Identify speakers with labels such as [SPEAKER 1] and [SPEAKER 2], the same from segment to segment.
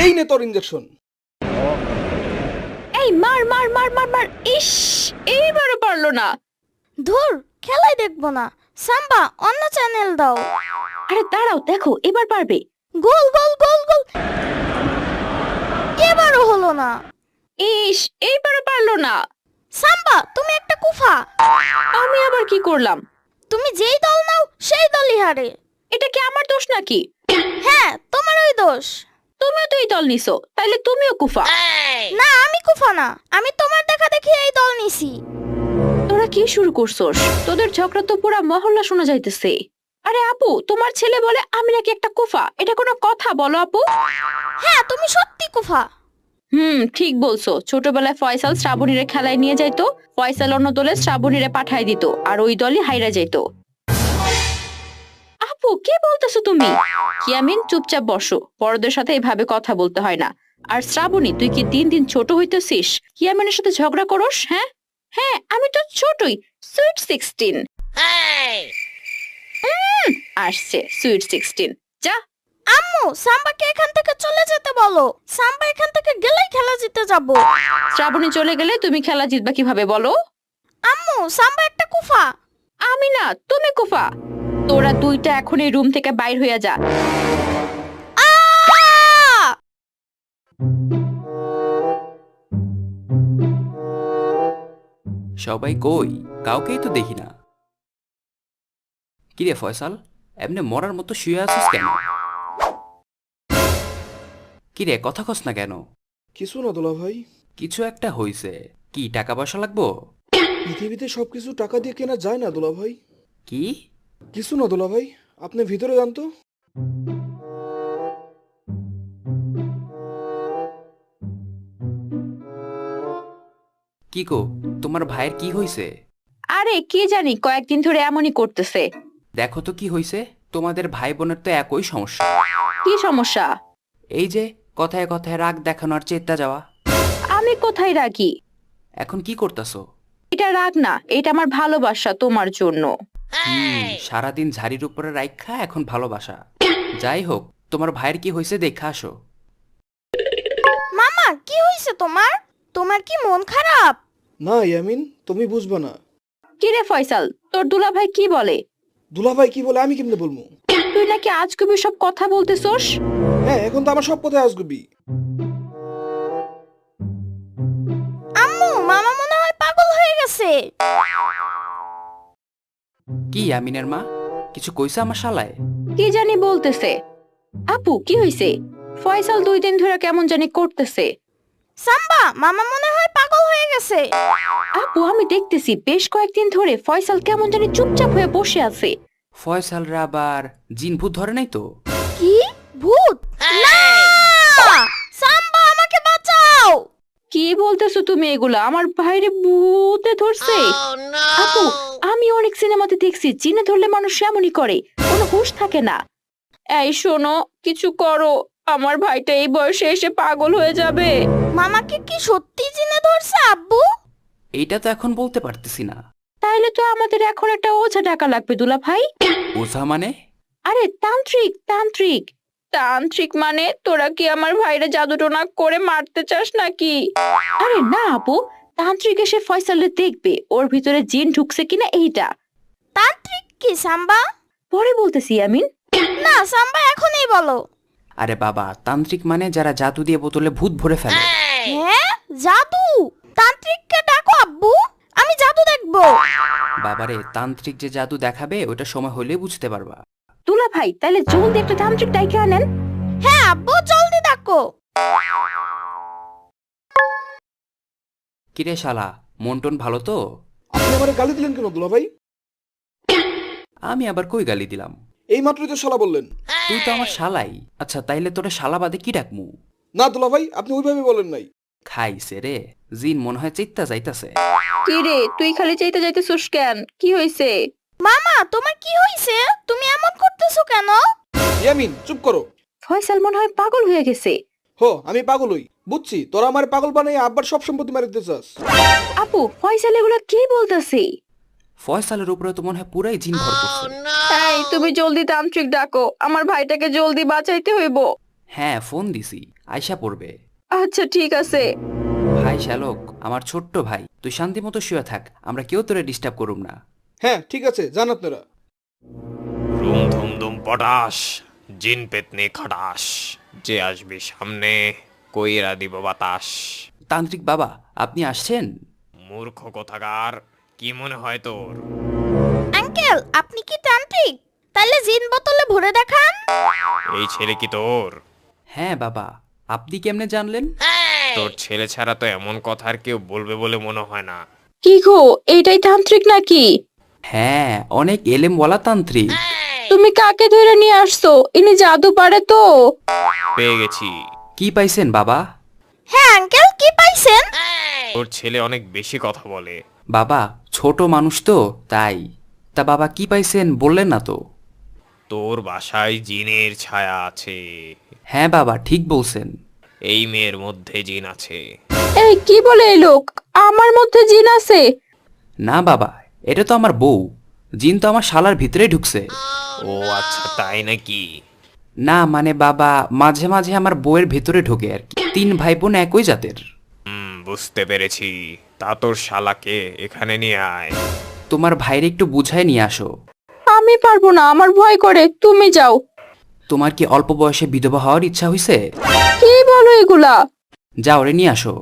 [SPEAKER 1] এই নে তোর ইনজেকশন।
[SPEAKER 2] এই মার মার মার মার মার। ইস, এইবারও পারলো না।
[SPEAKER 3] ধুর, খেলাই দেখবো না। সাম্বা, অন্য চ্যানেল দাও।
[SPEAKER 2] আরে দাঁড়াও, দেখো এবার পারবে।
[SPEAKER 3] গোল গোল গোল গোল। এবারও হলো না।
[SPEAKER 2] ইস, এইবারও পারলো না।
[SPEAKER 3] সাম্বা, তুমি একটা কুফা।
[SPEAKER 2] আমি আবার কি করলাম?
[SPEAKER 3] তুমি যেই দল নাও সেই দলই হারে।
[SPEAKER 2] এটা কি আমার দোষ নাকি?
[SPEAKER 3] হ্যাঁ, তোমারই দোষ।
[SPEAKER 2] তুমিও তো এই দল নিছো, তাইলে তুমিও কুফা।
[SPEAKER 3] না, আমি কুফা না, আমি তোমার দেখা দেখি এই দল নিছি।
[SPEAKER 2] তোরা কি শুরু করছস? তোদের ঝগড়া তো পুরা মহল্লা শোনা যাইতেছে। আরে আপু, তোমার ছেলে বলে আমি নাকি একটা কুফা, এটা কোনো কথা বলো আপু?
[SPEAKER 3] হ্যাঁ, তুমি সত্যি কুফা।
[SPEAKER 2] ঠিক বলছো। ছোটবেলায় ফয়সাল শ্রাবণীরে খেলায় নিয়ে যাইতো, ফয়সাল অন্য দলে শ্রাবণীরে পাঠায় দিত, আর ওই দলই হাইরা যাইতো। আপু, কি বলতেছো তুমি? ইয়ামিন, চুপচাপ বসো। বড়দের সাথে এভাবে কথা বলতে হয় না। আর শ্রাবণী, তুই কি দিন দিন ছোট হইতেছিস? ইয়ামিনের সাথে ঝগড়া করস? হ্যাঁ হ্যাঁ, আমি তো ছোটই, সুইট 16। আসছে সুইট 16। যা।
[SPEAKER 3] আম্মু, সাম্বাকে এখান থেকে চলে যেতে বলো। সাম্বা এখান থেকে গেলেই খেলা জিতে যাব।
[SPEAKER 2] শ্রাবণী চলে গেলে তুমি খেলা জিতবা কিভাবে বলো?
[SPEAKER 3] আম্মু, সাম্বা একটা কুফা।
[SPEAKER 2] আমি না, তুমি কুফা। তোরা দুইটা এখন এই রুম থেকে বাইর হইয়া যা।
[SPEAKER 4] সবাই কই? কাউকেই তো দেখি না। কিরে ফয়সাল, এমনি মরার মতো শুয়ে আছিস কেন? কিরে, কথা কস না কেন?
[SPEAKER 1] কিছু না দুলা ভাই,
[SPEAKER 4] কিছু একটা হইছে। কি টাকা পয়সা লাগবো?
[SPEAKER 1] পৃথিবীতে সবকিছু টাকা দিয়ে কেনা যায় না দুলা ভাই।
[SPEAKER 4] কি?
[SPEAKER 1] কিছু না দুলা ভাই, আপনি ভিতরে যান তো।
[SPEAKER 4] কি গো, তোমার ভাইয়ের কি হইছে?
[SPEAKER 2] আরে কি জানি, কয়েকদিন ধরে এমনই করতেছে।
[SPEAKER 4] দেখো তো কি হইছে। তোমাদের ভাই বোনের তো একই সমস্যা।
[SPEAKER 2] কি সমস্যা?
[SPEAKER 4] এই যে কথায় কথায় রাগ দেখানো আর চেতা যাওয়া।
[SPEAKER 2] আমি কোথায় রাগি?
[SPEAKER 4] এখন কি করতাছো?
[SPEAKER 2] এটা রাগ না, এটা আমার ভালোবাসা তোমার জন্য।
[SPEAKER 4] সারাদিন ঝাড়ির উপরে রাইখা এখন ভালোবাসা। যাই হোক, তোমার ভাইয়ের কি হইছে দেখা আসো।
[SPEAKER 3] মামা, কি হইছে তোমার? তোমার কি মন খারাপ?
[SPEAKER 1] না ইয়ামিন, তুমি বুঝবা না।
[SPEAKER 2] কিরে ফয়সাল, তোর দুলাভাই কি বলে?
[SPEAKER 1] দুলা ভাই কি বলে আমি কেমনে বলবো?
[SPEAKER 2] তুই নাকি আজগুবি সব কথা বলতেছস।
[SPEAKER 1] হ্যাঁ, এখন তো আমার সব কথাই আসগুবি।
[SPEAKER 3] আম্মু, মামা মনে হয় পাগল হয়ে গেছে।
[SPEAKER 4] কি আমিনের মা, কিছু কইছে আমার শালায়?
[SPEAKER 2] কি জানি বলতেছে। আপু, কি হইছে? ফয়সাল 2 দিন ধরে কেমন জানি করতেছে।
[SPEAKER 3] সাম্বা, মামা মনে হয় পাগল হয়ে গেছে।
[SPEAKER 2] আপু, আমি দেখতেছি বেশ কয়েকদিন ধরে ফয়সাল কেমন জানি চুপচাপ হয়ে বসে আছে।
[SPEAKER 4] ফয়সালরা আবার জিন ভূত ধরে নাই তো?
[SPEAKER 3] কি? ভূত? না! সাম্বা, আমাকে বাঁচাও।
[SPEAKER 2] কি বলতেছো তুমি এগুলা? আমার ভাইরে ভূতে ধরছে। আপু, আমি অনেক সিনেমাতে দেখছি জিনে ধরলে মানুষ এমনই করে, কোনো হুঁশ থাকে না। এই শোনো, কিছু করো, আমার ভাইটা এই বয়সে এসে পাগল হয়ে যাবে।
[SPEAKER 3] মামাকে কি সত্যি জিনে ধরছে আব্বু?
[SPEAKER 4] এইটা তো এখন বলতে পারতেছি না।
[SPEAKER 2] তাইলে তো আমাদের এখন একটা ওঝা টাকা লাগবে দুলা ভাই।
[SPEAKER 4] ওঝা মানে?
[SPEAKER 2] আরে তান্ত্রিক তান্ত্রিক। তান্ত্রিক মানে তোরা কি আমার ভাইরে জাদুটোনা করে মারতে চাস নাকি? আরে না আপু, তান্ত্রিক এসে ফয়সালে দেখবে ওর ভিতরে জিন ঢুকছে কিনা এইটা।
[SPEAKER 3] তান্ত্রিক কি সাম্বা?
[SPEAKER 2] পরে বলতেছি আমিন।
[SPEAKER 3] না সাম্বা, এখনই বলো।
[SPEAKER 4] আরে বাবা, তান্ত্রিক মানে যারা জাদু দিয়ে বোতলে ভূত ভরে ফেলে।
[SPEAKER 3] হ্যাঁ, জাদু? তান্ত্রিককে ডাকো আব্বু, আমি জাদু দেখবো।
[SPEAKER 4] বাবারে, তান্ত্রিক যে জাদু দেখাবে ওটা সময় হলে বুঝতে পারবা।
[SPEAKER 2] দুলা ভাই, তাহলে জলদি একটা তান্ত্রিক ডাইকে আনেন।
[SPEAKER 3] হ্যাঁ আব্বু, জলদি ডাকো।
[SPEAKER 4] কিরে শালা, মন টন ভালো তো?
[SPEAKER 1] আপনি আমারে গালি দিলেন কেন দুলা ভাই?
[SPEAKER 4] আমি আবার কই গালি দিলাম?
[SPEAKER 1] এই মাত্রই তো শালা বললেন।
[SPEAKER 4] তুই তো আমার শালাই। আচ্ছা, তাইলে তোরে শালা বাদে কি ডাকমু?
[SPEAKER 1] না দুলা ভাই, আপনি ওইভাবে বলেন নাই।
[SPEAKER 4] খাইছে রে, জিন মনে হয় চিত্তা যাইতাছে।
[SPEAKER 2] কি রে, তুই খালি চাইতে যাইতেছিস কেন? কি হইছে?
[SPEAKER 3] মামা, তোমার কি হইছে? তুমি এমন করতেছো কেন?
[SPEAKER 1] ইয়ামিন, চুপ করো।
[SPEAKER 2] ফয়সাল মনে হয় পাগল হয়ে গেছে।
[SPEAKER 1] হো, আমি পাগল হই, বুঝছি। তোরা আমার পাগল বানাই আব্বার সব সম্পত্তি মারি দিতে চাস।
[SPEAKER 2] আপু, ফয়সাল এগুলা কি বলতেছে?
[SPEAKER 4] ফয়সালের উপরে তো মনে হয় পুরাই জিন ভর করছে।
[SPEAKER 2] এই, তুমি জলদি তান্ত্রিক ডাকো, আমার ভাইটাকে জলদি বাঁচাইতে হইব।
[SPEAKER 4] হ্যাঁ, ফোন দিছি। আয়সা পড়বে।
[SPEAKER 2] আচ্ছা ঠিক আছে।
[SPEAKER 4] ভাই শ্যালক, আমার ছোট্ট ভাই, তুই শান্তি মতো শুয়ে থাক, আমরা কেউ তোরে ডিস্টার্ব করুম না।
[SPEAKER 1] হ্যাঁ ঠিক আছে, যান আপনারা।
[SPEAKER 5] রুম ধুম ধুম পটাশ, জিন পেতনি খাটাস, যে আসবি সামনে কইরা দিব বাতাস।
[SPEAKER 4] তান্ত্রিক বাবা, আপনি আসছেন?
[SPEAKER 5] মূর্খ কোথাকার, কি মনে হয় তোর?
[SPEAKER 3] আঙ্কেল আপনি কি তান্ত্রিক? তাহলে জিন বোতলে ভরে দেখান।
[SPEAKER 5] এই ছেলে কি তোর?
[SPEAKER 4] হ্যাঁ বাবা, আপনি কেমনে জানলেন?
[SPEAKER 5] তোর ছেলে ছাড়া তো এমন কথা আর কেউ বলবে বলে মনে হয় না।
[SPEAKER 2] কি গো, এইটাই তান্ত্রিক নাকি?
[SPEAKER 4] হ্যাঁ, অনেক এলেমওয়ালা তান্ত্রিক।
[SPEAKER 2] তুমি কাকে ধরে নিয়ে আসছো? ইনি জাদু পারে তো?
[SPEAKER 5] পেয়ে গেছি।
[SPEAKER 4] কি পাইছেন বাবা?
[SPEAKER 3] হ্যাঁ আঙ্কেল কি পাইছেন?
[SPEAKER 5] তোর ছেলে অনেক বেশি কথা বলে।
[SPEAKER 4] বাবা, ছোট মানুষ তো তাই। তা বাবা কি পাইছেন বললেন না তো?
[SPEAKER 5] তোর বাসায় জিনের ছায়া আছে।
[SPEAKER 4] হ্যাঁ বাবা, ঠিক বলছেন।
[SPEAKER 5] এই মেয়ের মধ্যে জিন আছে।
[SPEAKER 2] এই কি বলে এই লোক? আমার মধ্যে জিন আছে?
[SPEAKER 4] না বাবা, এটা তো আমার বউ। জিন তো আমার শালার ভিতরে ঢুকছে।
[SPEAKER 5] ও আচ্ছা, তাই নাকি?
[SPEAKER 4] না মানে বাবা, মাঝে মাঝে আমার বউয়ের ভিতরে ঢোকে আর কি। 3 ভাই বোন একই জাতের।
[SPEAKER 5] বুঝতে পেরেছি। তা তোর শালাকে এখানে নিয়ে আয়।
[SPEAKER 4] তোমার ভাইরে একটু বুঝায় নিয়ে আসো।
[SPEAKER 2] আমি পারবো না, আমার ভয় করে, তুমি যাও।
[SPEAKER 4] তোমার কি অল্প বয়সে বিধবা হওয়ার ইচ্ছা হইছে?
[SPEAKER 2] কি বলো এগুলা?
[SPEAKER 4] যাও রে, নিয়ে আসো।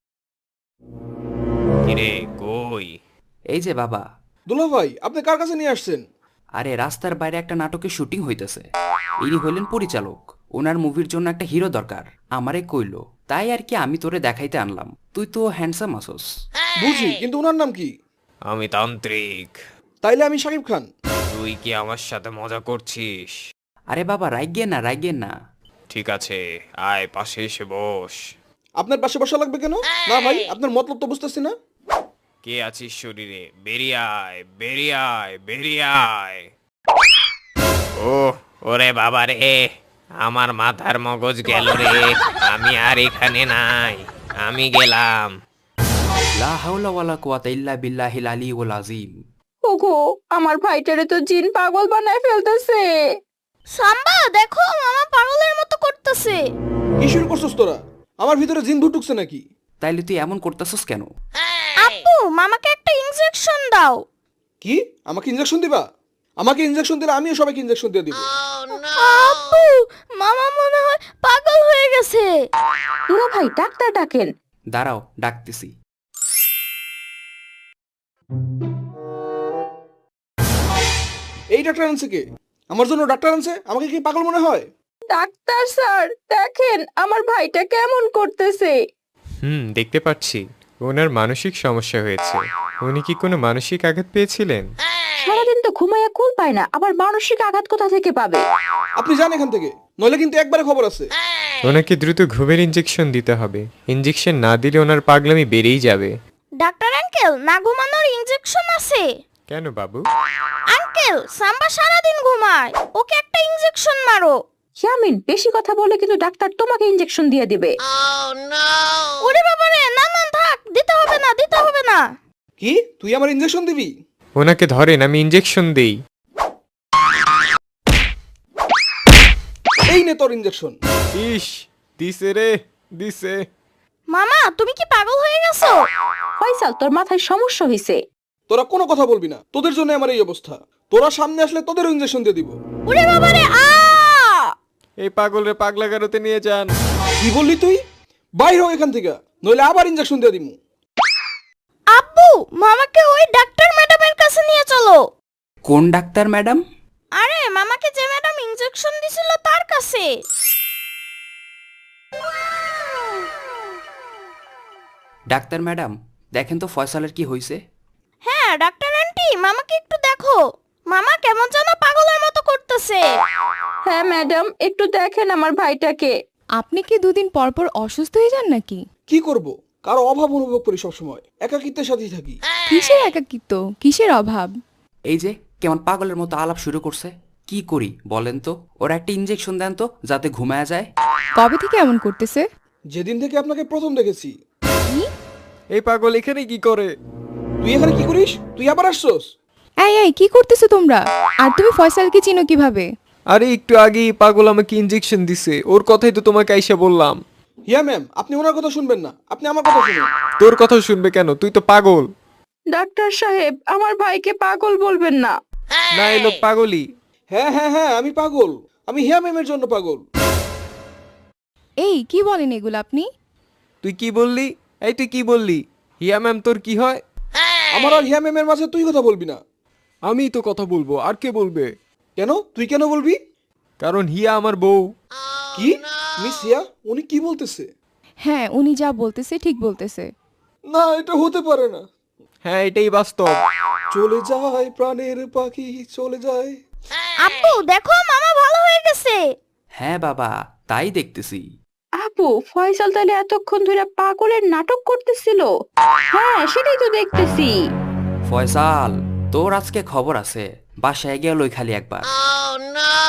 [SPEAKER 5] কিরে কই?
[SPEAKER 4] এই যে বাবা।
[SPEAKER 1] দুলা ভাই, আপনি কার কাছে নিয়ে আসছেন?
[SPEAKER 4] আরে রাস্তার বাইরে একটা নাটকের শুটিং হইতেছে। ইনি হইলেন পরিচালক। ওনার মুভির জন্য একটা হিরো দরকার। আমারে কইলো, তাই আর কি আমি তোরে দেখাইতে আনলাম। তুই তো হ্যান্ডসাম আসোস।
[SPEAKER 1] বুঝি, কিন্তু ওনার নাম কি?
[SPEAKER 5] আমি তান্ত্রিক।
[SPEAKER 1] তাইলে আমি শাকিব খান।
[SPEAKER 5] তুই কি আমার সাথে মজা করছিস?
[SPEAKER 4] আরে বাবা, রাইগেন না, রাইগেন না।
[SPEAKER 5] ঠিক আছে, আয় পাশে এসে বস।
[SPEAKER 1] আপনার পাশে বসা লাগবে কেন? না ভাই, আপনার মতলব তো বুঝতেছি না।
[SPEAKER 5] কে আছিস শরীরে? বেরিয়ে আয়, বেরিয়ে আয়, বেরিয়ে আয়। ও ওরে বাবা রে, আমার মাথার মগজ গেল রে। আমি আর এখানে নাই, আমি গেলাম।
[SPEAKER 4] লা হাওলা ওয়ালা কুওয়াতা ইল্লা বিল্লাহিল আলিয়্যিল আযীম।
[SPEAKER 2] ওগো, আমার ভাইটারে তো জিন পাগল বানায় ফেলতেছে।
[SPEAKER 3] সাম্বা দেখো মামা পাগলের মতো করতেছে।
[SPEAKER 1] কি শুরু করছস তোরা? আমার ভিতরে জিন ভূত ঢুকছে নাকি?
[SPEAKER 4] তাইলে তুই এমন করতেছস কেন?
[SPEAKER 3] আপু মামাকে একটা ইনজেকশন দাও।
[SPEAKER 1] কি? আমাকে ইনজেকশন দিবা? আমাকে ইনজেকশন দিলে আমিও সবাইকে ইনজেকশন দিয়ে দিব।
[SPEAKER 3] আপু মামা মনে হয় পাগল হয়ে গেছে।
[SPEAKER 2] দুলা ভাই, ডাক্তার ডাকেন।
[SPEAKER 4] দাঁড়াও, ডাকতেছি।
[SPEAKER 1] এই ডাক্তার আনছে কে? আমার জন্য ডাক্তার আনছে? আমাকে কি পাগল মনে হয়?
[SPEAKER 2] ডাক্তার স্যার, দেখেন আমার ভাইটা কেমন করতেছে।
[SPEAKER 6] দেখতে পাচ্ছি ওনার মানসিক সমস্যা হয়েছে। উনি কি কোনো মানসিক আঘাত পেয়েছিলেন?
[SPEAKER 2] সারাদিন তো ঘুমাইয়া কুল পায় না, আবার মানসিক আঘাত কোথা থেকে পাবে?
[SPEAKER 1] আপনি যান এখান থেকে, নইলে কিন্তু একবারে খবর আছে।
[SPEAKER 6] ওনাকে দ্রুত ঘুমের ইঞ্জেকশন দিতে হবে। ইঞ্জেকশন না দিলে ওনার পাগলামি বেড়েই যাবে।
[SPEAKER 3] ডাক্তার আঙ্কেল, না ঘুমানোর ইনজেকশন আছে?
[SPEAKER 6] কেন বাবু?
[SPEAKER 3] আঙ্কেল সাম্বা সারাদিন ঘুমায়, ওকে একটা ইনজেকশন মারো।
[SPEAKER 2] ইয়ামিন, বেশি কথা বলে কিন্তু ডাক্তার তোমাকে ইনজেকশন দিয়ে দিবে।
[SPEAKER 3] ওরে বাবারে, না না থাক, দিতে হবে না, দিতে হবে না।
[SPEAKER 1] কি? তুই আমার ইনজেকশন দিবি?
[SPEAKER 6] ওনাকে ধরেন, আমি ইঞ্জেকশন দেই।
[SPEAKER 1] এই নে তোর ইনজেকশন।
[SPEAKER 6] ইস, দিছে রে, দিছে।
[SPEAKER 3] মামা তুমি কি পাগল হয়ে গেছো?
[SPEAKER 2] ফয়সাল, তোর মাথায় সমস্যা হয়েছে।
[SPEAKER 1] তোরা কোনো কথা বলবি না, তোদের জন্য আমার এই অবস্থা। তোরা সামনে আসলে তোদেরও ইনজেকশন দিয়ে দিব।
[SPEAKER 3] ওরে বাবারে,
[SPEAKER 6] এই পাগলরে পাগলাগারোতে নিয়ে যান।
[SPEAKER 1] কি বললি তুই? বাইর হ এখান থেকে, নইলে আবার ইনজেকশন দিয়ে দিমু।
[SPEAKER 3] আব্বু মামাকে ওই ডাক্তার ম্যাডামের কাছে নিয়ে চলো।
[SPEAKER 4] কোন ডাক্তার ম্যাডাম?
[SPEAKER 3] আরে মামাকে যে ম্যাডাম ইনজেকশন দিছিল তার কাছে।
[SPEAKER 4] ডাক্তার ম্যাডাম, দেখেন তো ফয়সালের কি হয়েছে।
[SPEAKER 3] হ্যাঁ ডাক্তার আন্টি, মামাকে একটু দেখো। মামা কেমন যেন পাগলের মতো করতেছে।
[SPEAKER 2] হ্যাঁ ম্যাডাম, একটু দেখেন আমার ভাইটাকে।
[SPEAKER 7] আপনি কি দুদিন পর পর অসুস্থ হয়ে যান নাকি?
[SPEAKER 1] কি করব? কারো অভাব অনুভব করি সবসময়, একাকিত্বের সাথেই থাকি।
[SPEAKER 7] কিসের একাকিত্ব, কিসের অভাব?
[SPEAKER 4] এই যে কেমন পাগলের মতো আলাপ শুরু করছে। কি করি বলেন তো? ওরা একটা ইনজেকশন দেন তো, যাতে ঘুমায়া যায়।
[SPEAKER 7] কবে থেকে এমন করতেছে?
[SPEAKER 1] যেদিন থেকে আপনাকে প্রথম দেখেছি।
[SPEAKER 6] এই পাগল এখানে কি করে?
[SPEAKER 1] তুই এখানে কি করিস? তুই আবার আসছস?
[SPEAKER 7] এই এই কি করতেছো তোমরা? আর তুমি ফয়সালকে চিনো কিভাবে?
[SPEAKER 6] আরে একটু আগেই পাগল আমাকে ইঞ্জেকশন দিছে, ওর কথাই তো তোমাকে আইসা বললাম।
[SPEAKER 1] হিয়া ম্যাম, আপনি ওনার কথা শুনবেন না, আপনি আমার কথা শুনুন।
[SPEAKER 6] তোর কথা শুনবে কেন? তুই তো পাগল।
[SPEAKER 2] ডাক্তার সাহেব, আমার ভাইকে পাগল বলবেন না।
[SPEAKER 6] না, এই লোক পাগলই।
[SPEAKER 1] হ্যাঁ হ্যাঁ হ্যাঁ, আমি পাগল। আমি হিয়া ম্যামের জন্য পাগল।
[SPEAKER 7] এই কি বলেন এগুলো আপনি?
[SPEAKER 6] তুই কি বললি? এই তুই কি বললি? হিয়া ম্যাম তোর কি হয়?
[SPEAKER 1] আমার আর হিয়া ম্যামের মাঝে তুই কথা বলবি না।
[SPEAKER 6] আমি তো কথা বলবো, আর কে বলবে?
[SPEAKER 1] কেন? তুই কেন বলবি?
[SPEAKER 6] কারণ হিয়া আমার বউ।
[SPEAKER 1] কি? মিস হিয়া, উনি কি বলতেছে?
[SPEAKER 7] হ্যাঁ, উনি যা বলতেছে ঠিক বলতেছে।
[SPEAKER 1] না, এটা হতে পারে না।
[SPEAKER 6] হ্যাঁ, এটাই বাস্তব।
[SPEAKER 1] চলে যায় প্রাণের পাখি, চলে যায়।
[SPEAKER 3] আব্বু দেখো মামা ভালো হয়ে গেছে।
[SPEAKER 4] হ্যাঁ বাবা, তাই দেখতেছি।
[SPEAKER 2] আপু, ফয়সাল তাহলে এতক্ষণ ধরে পাগলের নাটক করতেছিল? হ্যাঁ, সেটাই তো দেখতেছি।
[SPEAKER 4] ফয়সাল, তোর আজকে খবর আছে, বাসায় গিয়ে লই খালি একবার।